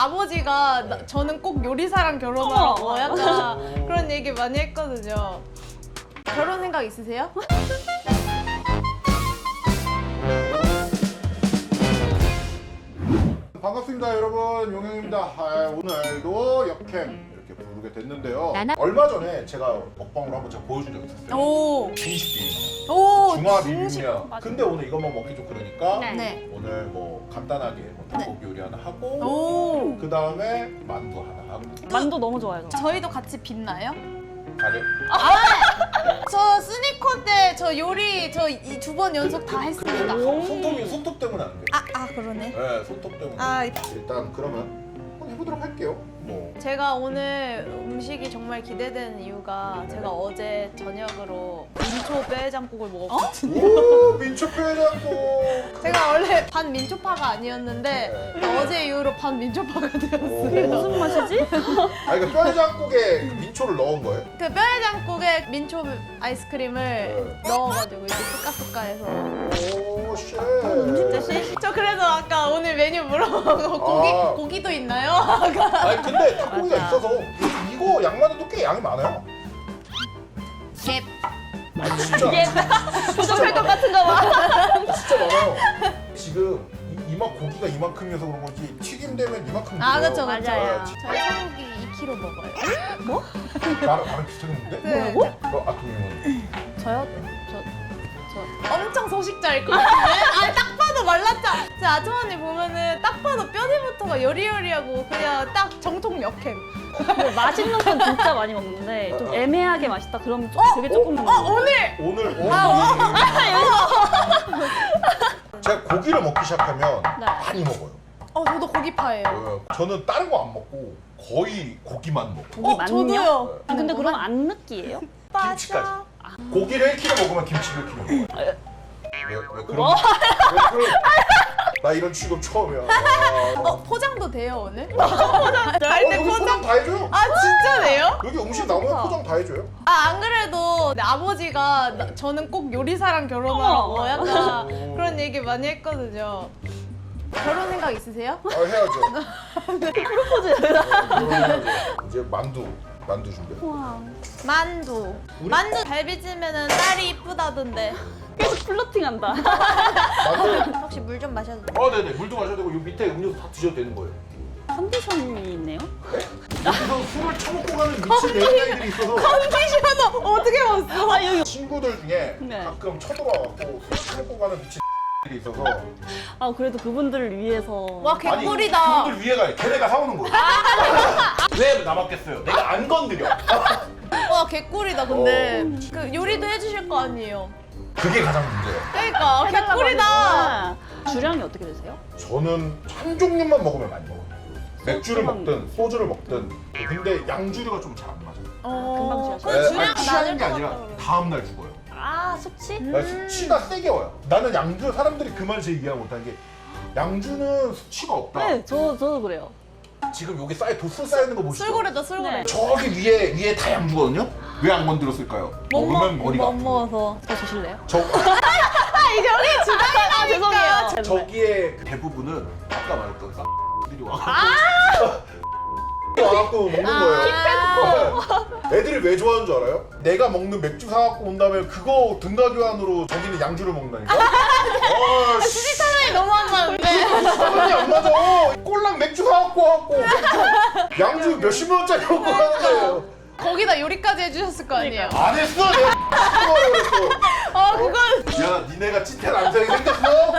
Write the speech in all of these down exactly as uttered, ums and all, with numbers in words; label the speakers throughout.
Speaker 1: 아버지가 나-
Speaker 2: 네.
Speaker 1: 저는 꼭 요리사랑 결혼하라고
Speaker 3: 어머.
Speaker 1: 약간 그런 얘기 많이 했거든요. 결혼 생각 있으세요?
Speaker 2: 반갑습니다 여러분, 용영입니다. 아, 오늘도 역캠 이렇게 부르게 됐는데요.
Speaker 3: 나나-
Speaker 2: 얼마 전에 제가 먹방으로 한번 제가 보여준 적이 있었어요.
Speaker 1: 오,
Speaker 2: 중식 비빔,
Speaker 1: 오,
Speaker 2: 중화
Speaker 1: 중식.
Speaker 2: 비빔면.
Speaker 3: 맞아.
Speaker 2: 근데 오늘 이것만 먹기 좀 그러니까
Speaker 3: 네.
Speaker 1: 네.
Speaker 2: 오늘 뭐 간단하게 뭐 닭고기 요리 하나 하고
Speaker 1: 오.
Speaker 2: 그 다음에 만두 하나 하고
Speaker 3: 만두 너무 좋아요. 저.
Speaker 1: 저희도 같이 빛나요?
Speaker 2: 가려.
Speaker 1: 저 스니커 때 저 요리 저 이 두 번 연속 다 했습니다.
Speaker 2: 근데 손- 손톱이 손톱 때문에 안 돼.
Speaker 1: 아, 아 그러네.
Speaker 2: 네, 손톱 때문에.
Speaker 1: 아,
Speaker 2: 일단 그러면 한번 해보도록 할게요. 뭐.
Speaker 1: 제가 오늘 음식이 정말 기대되는 이유가 제가 어제 저녁으로 민초 뼈해장국을 먹었거든요.
Speaker 2: 오, 민초뼈해장국.
Speaker 1: 제가 원래 반 민초파가 아니었는데
Speaker 2: 네.
Speaker 1: 어제 이후로 반 민초파가
Speaker 2: 오.
Speaker 1: 되었어요.
Speaker 3: 무슨 맛이지?
Speaker 2: 아, 이거 뼈해장국에 그 민초를 넣은 거예요?
Speaker 1: 그 뼈해장국에 민초 아이스크림을
Speaker 2: 네.
Speaker 1: 넣어가지고 이제 뚜까뚜까해서.
Speaker 2: 오, 쉣.
Speaker 3: 음식 대신
Speaker 1: 저 그래서 아까 오늘 메뉴 물어보고 고기
Speaker 2: 아.
Speaker 1: 고기도 있나요? 아까
Speaker 2: 아니 근데 닭고기가
Speaker 3: 맞아.
Speaker 2: 있어서 이거 양만해도 꽤 양이 많아요.
Speaker 1: 갭.
Speaker 2: 아, 진짜.
Speaker 3: 이게 부족할 것 같은가 봐.
Speaker 2: 진짜 많아요. 지금 이- 이만 고기가 이만큼이어서 그런 건지 튀김되면 이만큼.
Speaker 1: 아
Speaker 2: 돼요.
Speaker 1: 그쵸 그쵸.
Speaker 3: 맞아요.
Speaker 1: 저희 소고기 이 킬로그램 먹어요.
Speaker 2: 나랑 나랑 비슷했는데?
Speaker 1: 네.
Speaker 3: 뭐라고?
Speaker 2: 너 아토님은?
Speaker 3: 저요? 저, 저.
Speaker 1: 엄청 소식자일 것 같은데? 아니 딱 봐도 말랐잖아. 제 아주머니 보면은 딱 봐도 뼈대부터가 여리여리하고 그냥 딱 정통 역캠.
Speaker 3: 근데 맛있는 건 진짜 많이 먹는데 좀 애매하게 맛있다 그러면 좀 되게 조금
Speaker 1: 어
Speaker 3: 먹는
Speaker 1: 오늘
Speaker 2: 오늘 오늘
Speaker 1: 아,
Speaker 2: 제가 고기를 먹기 시작하면
Speaker 3: 네.
Speaker 2: 많이 먹어요.
Speaker 1: 어 저도 고기파예요.
Speaker 2: 어, 저는 다른 거 안 먹고 거의 고기만 먹어요.
Speaker 3: 고기
Speaker 1: 어
Speaker 3: 많냐?
Speaker 1: 저도요.
Speaker 3: 아, 근데 그럼 안 느끼해요?
Speaker 2: 김치까지.
Speaker 1: 맞아.
Speaker 2: 고기를 일 킬로그램 먹으면 김치를 일 킬로그램 먹어요. 왜, 왜 그런
Speaker 3: 뭐?
Speaker 2: 왜 그런 나 이런 취급 처음이야. 아.
Speaker 1: 어 포장도 돼요 오늘?
Speaker 2: 어,
Speaker 1: 갈때
Speaker 2: 여기 포장
Speaker 1: 포장.
Speaker 2: 다 해줘요.
Speaker 1: 아 진짜네요?
Speaker 2: 여기 음식 나오면 포장 다 해줘요.
Speaker 1: 아 안 그래도 내 아버지가 나- 저는 꼭 요리사랑 결혼하라고
Speaker 3: 어머.
Speaker 1: 약간
Speaker 2: 오.
Speaker 1: 그런 얘기 많이 했거든요. 결혼 생각 있으세요?
Speaker 2: 아 해야죠.
Speaker 3: 프로포즈.
Speaker 2: 결혼해야죠. 이제 만두 만두 준비해.
Speaker 3: 와.
Speaker 1: 만두.
Speaker 2: 우리-
Speaker 1: 만두 갈비찜에는 딸이 이쁘다던데.
Speaker 3: 계속 플러팅한다.
Speaker 2: 만두.
Speaker 1: 혹시 물 좀 마셔도 돼요?
Speaker 2: 어 네네 물도 마셔도 되고 요 밑에 음료수 다 드셔도 되는 거예요.
Speaker 3: 컨디션이 있네요.
Speaker 2: 여기서 술을 처먹고 가는 미친 여자애들이 있어서
Speaker 1: 컨디셔너 어떻게 봤어?
Speaker 3: 아 여기.
Speaker 2: 친구들 중에
Speaker 3: 네.
Speaker 2: 가끔 쳐들어와갖고 술 처먹고 가는 미친 애들이 있어서
Speaker 3: 아 그래도 그분들을 위해서.
Speaker 1: 와
Speaker 2: 아니
Speaker 1: 개꿀이다.
Speaker 2: 그분들 위에가 걔네가 사오는 거예요. 왜 남았겠어요? 내가 안 건드려.
Speaker 1: 와 개꿀이다 근데.
Speaker 2: 어.
Speaker 1: 그 요리도 해주실 거 아니에요?
Speaker 2: 그게 가장 문제예요.
Speaker 1: 그러니까
Speaker 3: 해달라고
Speaker 1: 개꿀이다.
Speaker 3: 하니까. 주량이 어떻게 되세요?
Speaker 2: 저는 한 종류만 먹으면 많이 먹어요. 맥주를
Speaker 3: 소주만-
Speaker 2: 먹든 소주를 먹든. 근데 양주류가 좀 잘 안 맞아요.
Speaker 1: 어...
Speaker 3: 금방 취하셔.
Speaker 1: 그건
Speaker 2: 네,
Speaker 1: 주량
Speaker 2: 아니, 취하는
Speaker 1: 낮을
Speaker 2: 게
Speaker 1: 것
Speaker 2: 아니라
Speaker 1: 같다 그러면.
Speaker 2: 다음 날 죽어요.
Speaker 3: 아 숙취?
Speaker 2: 나 수치가 세게 와요. 나는 양주 사람들이 그 말 제일 이해 못하는 게 양주는 수치가 없다.
Speaker 3: 네, 저 저도 그래요.
Speaker 2: 지금 여기 쌓여 도수 쌓여 있는 거 보시죠.
Speaker 1: 술고래다 술고래.
Speaker 3: 네.
Speaker 2: 저기 위에 위에 다 양주거든요. 왜 안 건드렸을까요?
Speaker 1: 못
Speaker 2: 먹으면
Speaker 1: 먹,
Speaker 2: 머리가
Speaker 1: 못
Speaker 2: 아프고.
Speaker 1: 먹어서.
Speaker 3: 저 주실래요?
Speaker 2: 저
Speaker 1: 이제 우리 주방에
Speaker 3: 아 죄송해요.
Speaker 2: 저기에 그 대부분은 아까 말했던 쌍들이 와갖고 와갖고 먹는 거예요. 네. 애들이 왜 좋아하는 줄 알아요? 내가 먹는 맥주 사갖고 온 다음에 그거 등가 교환으로 저기는 양주를 먹는다니까. 아, 씨.
Speaker 1: 사람이 너무 안 맞는데.
Speaker 2: 사람이 안 맞아. 꼴랑 맥주 사갖고 와갖고 맥주, 양주 몇십만 원짜리 먹고 가는 거예요.
Speaker 1: 거기다 요리까지 해주셨을 거 아니에요?
Speaker 2: 안 했어. 내가 X하라고 그랬어.
Speaker 1: 아 그건
Speaker 2: 야, 니네가 찐텐 남성이 생겼어?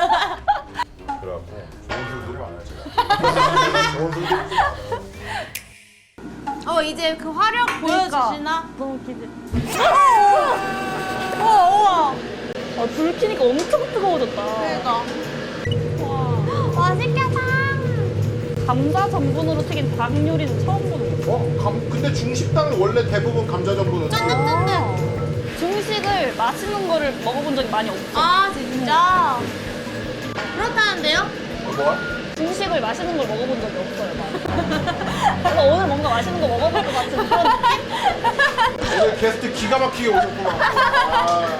Speaker 2: 그래갖고 좋은 술들이 많아요, 제가. 좋은 술들이 많아요.
Speaker 1: 어 이제 그 화력 보여주시나?
Speaker 3: 너무 기대.
Speaker 1: 우와 우와.
Speaker 3: 아, 불 켜니까 엄청 뜨거워졌다.
Speaker 1: 그러니까.
Speaker 3: 와.
Speaker 1: 맛있겠다.
Speaker 3: 감자 전분으로 튀긴 닭 요리는 처음 보는 거.
Speaker 2: 어? 감, 근데 중식당은 원래 대부분 감자 전분은
Speaker 3: 아. 중식을 맛있는 거를 먹어본 적이 많이 없어.
Speaker 1: 아 진짜? 그렇다는데요?
Speaker 2: 어, 뭐야?
Speaker 3: 중식을 맛있는 걸 먹어본 적이 없어요. 많이. 그래서 오늘 뭔가 맛있는 거 먹어볼 것 같은 그런 느낌?
Speaker 2: 오늘 게스트 기가 막히게 오셨구만. 아.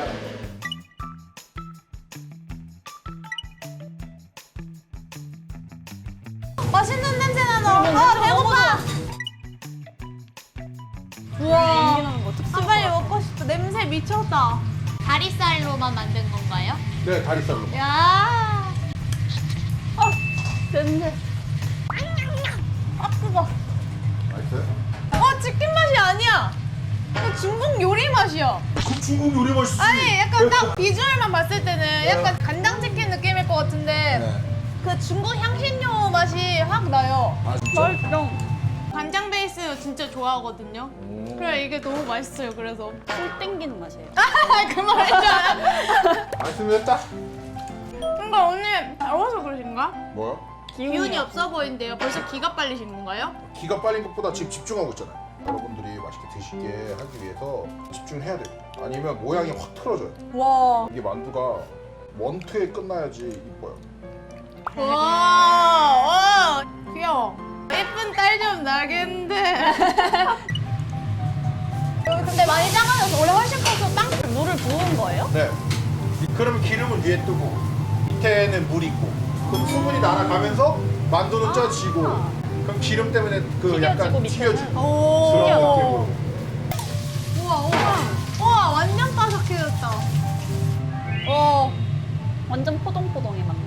Speaker 1: 맛있는 냄새 나나. 아 미쳤다. 다리살로만 만든 건가요?
Speaker 2: 네, 다리살로.
Speaker 1: 야.
Speaker 3: 아, 냄새.
Speaker 1: 아 뜨거.
Speaker 2: 맛있어요?
Speaker 1: 어 치킨 맛이 아니야. 이거 중국 요리 맛이야.
Speaker 2: 그 중국 요리 맛있지.
Speaker 1: 아니 약간 딱 비주얼만 봤을 때는 약간 간장치킨 느낌일 것 같은데
Speaker 2: 네.
Speaker 1: 그 중국 향신료 맛이 확 나요.
Speaker 2: 아 진짜?
Speaker 3: 맛있어.
Speaker 1: 간장 베이스 진짜 좋아하거든요.
Speaker 2: 오.
Speaker 1: 그래 이게 너무 맛있어요. 그래서
Speaker 3: 술 땡기는 맛이에요.
Speaker 1: 그 말이잖아.
Speaker 2: 맛있으면 됐다.
Speaker 1: 그러니까 언니 더워서 그러신가?
Speaker 2: 뭐야?
Speaker 1: 기운이 없어 보이는데요. 벌써 기가 빨리신 건가요?
Speaker 2: 기가 빨린 것보다 지금 집중하고 있잖아요. 여러분들이 맛있게 드시게 하기 위해서 집중해야 돼요. 아니면 모양이 확 틀어져요.
Speaker 1: 와.
Speaker 2: 이게 만두가 원투에 끝나야지 이뻐요.
Speaker 1: 와, 와, 귀여워. 예쁜 딸 좀 나겠는데. 근데 많이 작아져서 원래 훨씬 커서 땅.
Speaker 3: 물을 부은 거예요?
Speaker 2: 네. 그러면 기름은 위에 뜨고 밑에는 물이 있고 그럼 수분이 날아가면서 만두는 쪄지고 그럼 기름 때문에 그
Speaker 3: 튀겨지고
Speaker 2: 약간
Speaker 3: 밑에는?
Speaker 2: 튀겨지고
Speaker 1: 오.
Speaker 2: 그런 느낌으로.
Speaker 1: 우와, 우와. 우와, 완전 바삭해졌다. 어.
Speaker 3: 완전 포동포동해 막.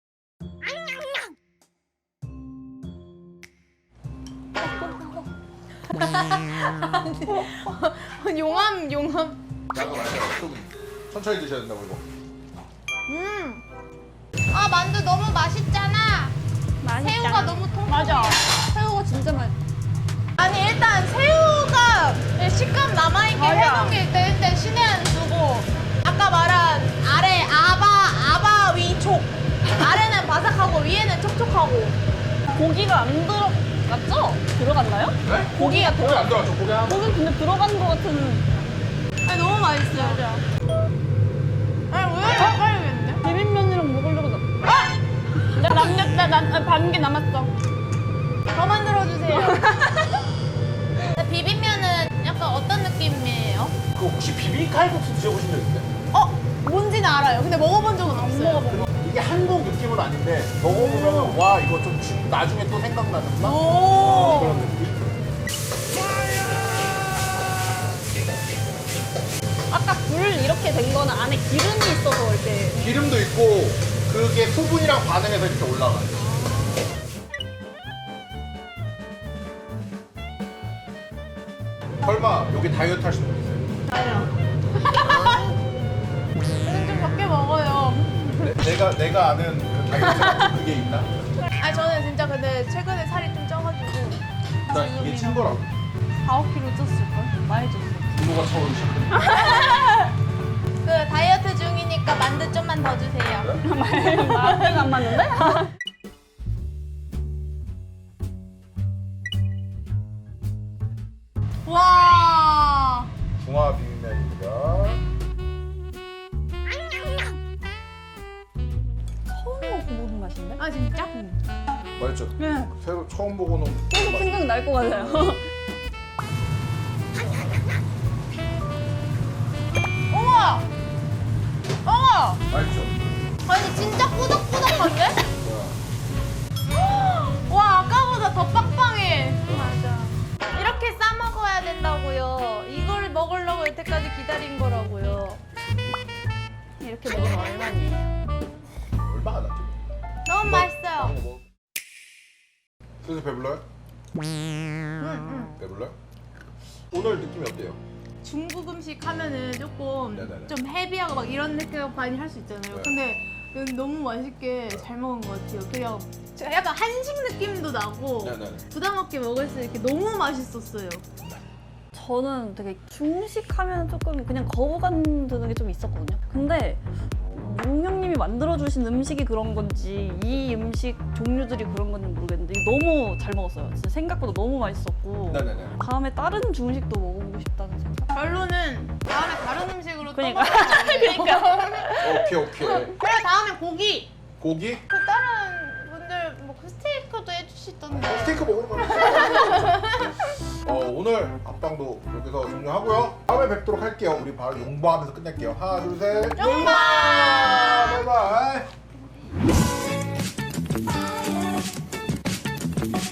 Speaker 1: 용암, 용암.
Speaker 2: 약간 많이 좀 천천히 드셔야 된다고 이거.
Speaker 1: 음. 아, 만두 너무 맛있잖아.
Speaker 3: 맛있잖아.
Speaker 1: 새우가 너무 통.
Speaker 3: 맞아. 새우가 진짜 맛.
Speaker 1: 아니 일단 새우가 식감 남아있게
Speaker 3: 맞아.
Speaker 1: 해동일 때 일단 신의 한 수고 아까 말한 아래 아바 아바 위촉 아래는 바삭하고 위에는 촉촉하고
Speaker 3: 고기가 안 들어갔죠? 들어갔나요?
Speaker 2: 네?
Speaker 3: 고기가
Speaker 2: 고기
Speaker 3: 들어.
Speaker 2: 안 들어갔죠? 고기 하나.
Speaker 3: 고기 근데 들어간 것 같은.
Speaker 1: 아니 너무 맛있어요.
Speaker 3: 맞아.
Speaker 1: 아니 왜 헷갈리겠는데?
Speaker 3: 비빔면이랑 먹으려고. 나... 아! 나 남겼다. 난반 개 남았어.
Speaker 1: 더 만들어주세요. 비빔면은 약간 어떤 느낌이에요?
Speaker 2: 그 혹시 비빔칼국수 드셔보신 적 있어요?
Speaker 1: 어? 뭔지는 알아요. 근데 먹어본 적은 없어요.
Speaker 3: 먹어본 거.
Speaker 2: 이게 한국 느낌은 아닌데 먹어보면 와 이거 좀 주- 나중에 또 생각나는 맛?
Speaker 1: 오.
Speaker 2: 그런 느낌?
Speaker 3: 아까 불 이렇게 된 거는 안에 기름이 있어서 이렇게.
Speaker 2: 기름도 있고 그게 수분이랑 반응해서 이렇게 올라가요. 설마 여기 다이어트 하시는 분 있어요?
Speaker 1: 아니요. 저는 좀 적게 먹어요.
Speaker 2: 내, 내가 내가 아는 그 다이어트 그게 있나?
Speaker 1: 아니 저는 진짜 근데 최근에 살이 좀 쪄가지고
Speaker 2: 나 이게 친 거라고.
Speaker 1: 사, 오 킬로그램 쪘을걸? 많이 쪘어.
Speaker 2: 부모가 차오르시.
Speaker 1: 그 다이어트 중이니까 만두 좀만 더 주세요.
Speaker 3: 맛이 안 맞는데?
Speaker 1: 와.
Speaker 2: 중화 비빔면입니다.
Speaker 3: 처음 먹어보는 맛인데?
Speaker 1: 아 진짜?
Speaker 2: 맛있죠?
Speaker 3: 네.
Speaker 2: 새로 처음 보고는
Speaker 3: 계속 생각날 것 같아요.
Speaker 1: 어머. 어머.
Speaker 2: 맛있죠?
Speaker 1: 아니 진짜 꾸덕꾸덕한데?
Speaker 2: 와.
Speaker 1: 와 아까보다 더 빵빵해. 맞아. 이렇게 싸 먹어야 된다고요. 이걸 먹으려고 여태까지 기다린 거라고요.
Speaker 3: 이렇게 먹으면 얼마니?
Speaker 2: 얼마가 났지?
Speaker 1: 너무 맛있어요.
Speaker 2: 뭐. 슬슬 배불러요?
Speaker 1: 응, 응.
Speaker 2: 배불러요? 오늘 느낌이 어때요?
Speaker 1: 중국 음식 하면은 조금
Speaker 2: 네네네.
Speaker 1: 좀 헤비하고 막 이런 느낌 많이 할 수 있잖아요.
Speaker 2: 네.
Speaker 1: 근데 이건 너무 맛있게 잘 먹은 것 같아요. 그냥 약간 한식 느낌도 나고
Speaker 2: 네네네.
Speaker 1: 부담 없게 먹을 수 있게 너무 맛있었어요.
Speaker 3: 저는 되게 중식 하면 조금 그냥 거부감 드는 게 좀 있었거든요. 근데 용영님이 만들어주신 음식이 그런 건지 이 음식 종류들이 그런 건지 모르겠는데 너무 잘 먹었어요. 진짜 생각보다 너무 맛있었고
Speaker 2: 네네네.
Speaker 3: 다음에 다른 중식도 먹어보고 싶다는 생각.
Speaker 1: 결론은 다음에 다른 음식으로
Speaker 3: 그러니까.
Speaker 1: 또 먹어요. 그러니까.
Speaker 2: 오케이 오케이.
Speaker 1: 그래 다음에 고기.
Speaker 2: 고기?
Speaker 1: 그 다른 분들 뭐 스테이크도 해주시던데.
Speaker 2: 스테이크 먹으러 가요. 어, 오늘 합방도 여기서 종료하고요. 다음에 뵙도록 할게요. 우리 바로 용보하면서 끝낼게요. 하나 둘 셋.
Speaker 1: 용보!
Speaker 2: 바이바이.